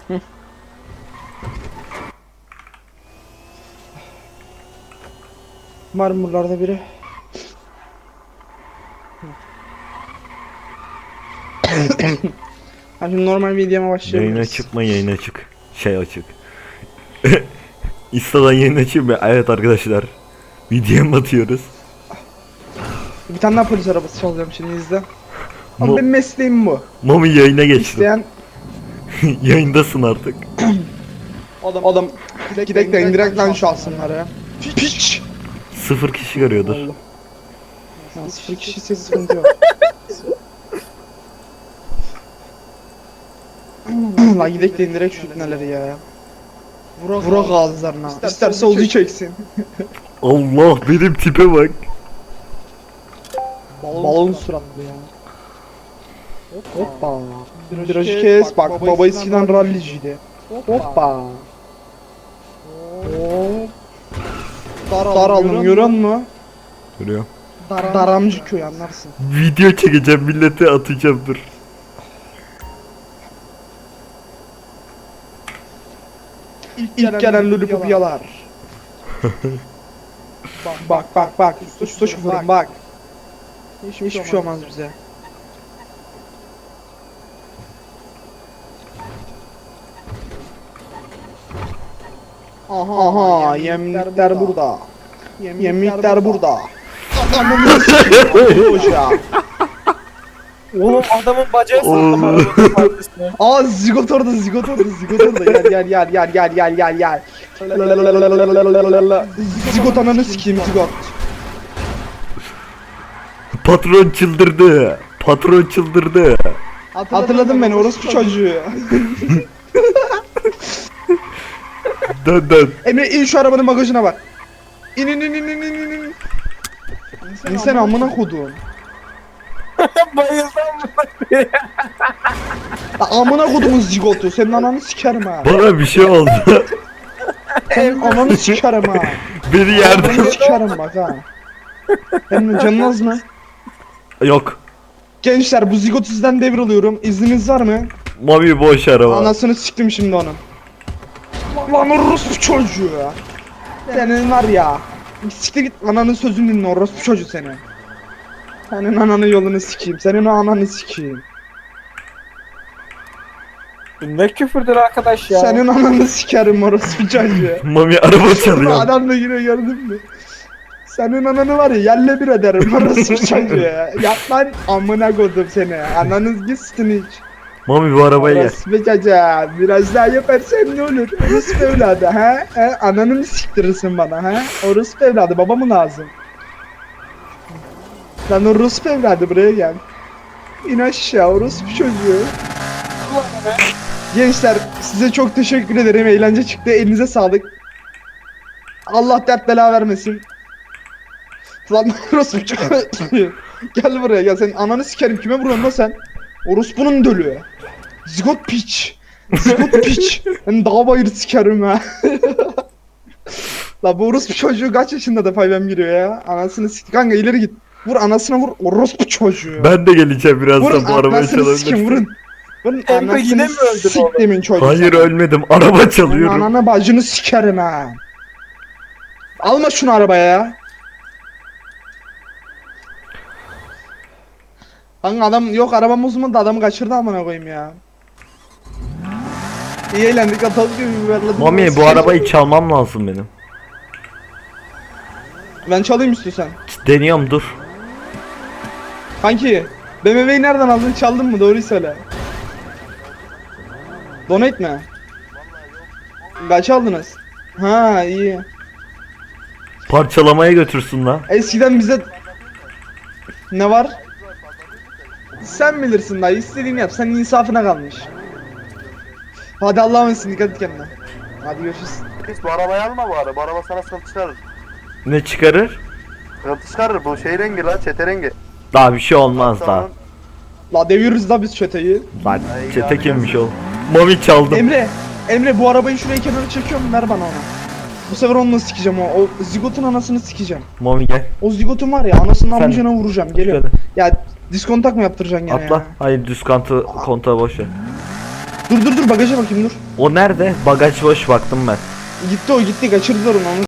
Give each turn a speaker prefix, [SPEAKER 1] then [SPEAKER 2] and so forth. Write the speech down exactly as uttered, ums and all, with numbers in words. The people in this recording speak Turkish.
[SPEAKER 1] Hı. Var mı buralarda biri? Ha şimdi normal videoma başlayabiliriz.
[SPEAKER 2] Yayına çıkma, yayına çık. Şey açık. Insta'dan yayın açayım mı? Evet arkadaşlar. Videoya batıyoruz.
[SPEAKER 1] Bir tane daha polis arabası çalacağım şimdi izle. Ama
[SPEAKER 2] Mo
[SPEAKER 1] benim mesleğim bu.
[SPEAKER 2] Mami yayına geçti.
[SPEAKER 1] İsteyen
[SPEAKER 2] Yayındasın artık.
[SPEAKER 1] adam, adam gidek de indirek lan şu alsınları ya. Piç!
[SPEAKER 2] Sıfır kişi görüyordur.
[SPEAKER 1] Allah. Ya sıfır kişi ise sıkıntı yok. La gidek de indirek şu ipneleri ya. Vurak, Vurak ağızlarına. İsterse, İsterse Ozi çeksin.
[SPEAKER 2] Allah benim tipe bak.
[SPEAKER 1] Balon, Balon suratlı ya. Hoppa. Virajı kes. Bak baba, baba eskiden ralliciydi. Hoppa. Hop. Daraldım görüyor musun?
[SPEAKER 2] Görüyorum.
[SPEAKER 1] Dar Daramcı köy anlarsın.
[SPEAKER 2] Video çekeceğim, millete atacağım, dur.
[SPEAKER 1] İlk, İlk gelen lollipop yalar. Bak bak bak. Usta şoförüm bak. Hiçbir, Hiçbir şey olmaz bize. Aha, Aha yemlikler burada. Yemlikler burada. Adamın hoca.
[SPEAKER 3] Oğlum adamın bacağı sattım
[SPEAKER 2] Oğlum.
[SPEAKER 3] arabanın.
[SPEAKER 1] Aa zigot orada, zigot orada, zigot orada. Gel gel gel gel gel gel gel gel. Zigot ananı sikeyim zigot.
[SPEAKER 2] Patron çıldırdı. Patron çıldırdı.
[SPEAKER 1] Hatırladın beni orospu çocuğu.
[SPEAKER 2] Dön dön.
[SPEAKER 1] Emre in şu arabanın bagajına bak. İn in in in in in in. İnsan amına kodum.
[SPEAKER 3] Bayıldım mı?
[SPEAKER 1] Amına kodumun zigotu. Senin ananı sikerim ha.
[SPEAKER 2] Bana bir şey oldu.
[SPEAKER 1] Senin ananı sikerim ha.
[SPEAKER 2] Beni yerden...
[SPEAKER 1] Ananı sikerim bak ha. Benim canın az mı?
[SPEAKER 2] Yok.
[SPEAKER 1] Gençler bu zigotu sizden devralıyorum. İzniniz var mı?
[SPEAKER 2] Mami boş araba.
[SPEAKER 1] Anasını siktim şimdi onun. Lan orospu çocuğu ya. Senin var ya. Siktir git ananın sözünü dinle orospu çocuğu senin. Senin ananın yolunu sikeyim. Senin o ananı sikeyim.
[SPEAKER 3] Ne küfürdür arkadaş ya.
[SPEAKER 1] Senin ananı sikerim orospu çocuğu.
[SPEAKER 2] Mami araba çalıyor.
[SPEAKER 1] Adam da yine gördün mü? Senin ananı var ya yerle bir ederim orospu çocuğu ya. Yap lan amına kodum seni. Ananız gitsin hiç.
[SPEAKER 2] Mami bu arabaya gel.
[SPEAKER 1] Orospu çocuğu. Biraz daha yaparsan ne olur? Orospu evladı ha? he? Ananı mı siktirirsin bana ha? Orospu evladı baba mı lazım? Lan orospu evladı buraya gel. İn aşağı orospu çocuğu. Gençler size çok teşekkür ederim. Eğlence çıktı. Elinize sağlık. Allah dert bela vermesin. Lan orospu çocuğu. Gel buraya gel. Senin ananı sikerim. Kime vuruyorsun lan sen? Orospunun dölü. Zigot piç. Zigot piç. Ben dağ bayır sikerim ha. La bu orospu çocuğu kaç yaşında da faybem giriyor ya. Anasını sik. Kanka ileri git. Vur anasına vur. Orospu çocuğu.
[SPEAKER 2] Ben de geleceğim
[SPEAKER 1] Vurun
[SPEAKER 2] birazdan bu arabayı
[SPEAKER 1] anasını sikim
[SPEAKER 2] çalabilirsin.
[SPEAKER 1] vurun. Vurun
[SPEAKER 3] Emre yine
[SPEAKER 1] anasını
[SPEAKER 3] mi öldün
[SPEAKER 1] siktimin çocuğu.
[SPEAKER 2] Hayır
[SPEAKER 1] sana.
[SPEAKER 2] ölmedim. Araba
[SPEAKER 1] Senin
[SPEAKER 2] çalıyorum.
[SPEAKER 1] ananı bacını sikerim ha. Alma şunu arabaya ya. Kanka adam yok arabam uzmandı adamı kaçırdı amına koyayım ya. İyi eğlendik atalım gibi biberledim.
[SPEAKER 2] Mami bu arabayı çalmam lazım benim.
[SPEAKER 1] Ben çalayım istiyorsan.
[SPEAKER 2] Deniyorum dur.
[SPEAKER 1] Kanki B M W'yi nereden aldın çaldın mı doğruyu söyle. Donate mi? Kaç aldınız? Ha iyi.
[SPEAKER 2] Parçalamaya götürsün lan.
[SPEAKER 1] Eskiden bize ne var? Sen bilirsin dayı istediğini yap sen insafına kalmış. Hadi Allah'a emanet dikkat et kendine. Hadi görüşürüz.
[SPEAKER 4] Hiç bu arabayı alma bu araba. Bu araba sana sıkıntı çıkarır.
[SPEAKER 2] Ne çıkarır?
[SPEAKER 4] Sıkıntı çıkarır. Bu şey rengi lan, çete rengi.
[SPEAKER 2] Daha bir şey olmaz daha.
[SPEAKER 1] La deviyoruz da biz çeteyi.
[SPEAKER 2] Lan
[SPEAKER 4] Ay,
[SPEAKER 2] çete
[SPEAKER 4] ya.
[SPEAKER 2] kimmiş o? Mami çaldım.
[SPEAKER 1] Emre, Emre bu arabayı şuraya kenara çekiyorum ver bana onu. Bu sefer onunla sikeceğim o. O zigotun anasını sikeceğim.
[SPEAKER 2] Mami gel.
[SPEAKER 1] O zigotun var ya anasının
[SPEAKER 2] Sen-
[SPEAKER 1] amcına vuracağım geliyor.
[SPEAKER 2] Şöyle.
[SPEAKER 1] Ya diskontak mı yaptıracaksın gene
[SPEAKER 2] Atla.
[SPEAKER 1] ya?
[SPEAKER 2] Hayır düz kantı kontağı boş ver.
[SPEAKER 1] Dur dur dur bagaja bakayım dur.
[SPEAKER 2] O nerede? Bagaj boş baktım ben.
[SPEAKER 1] Gitti o gitti kaçırdılar onu. onu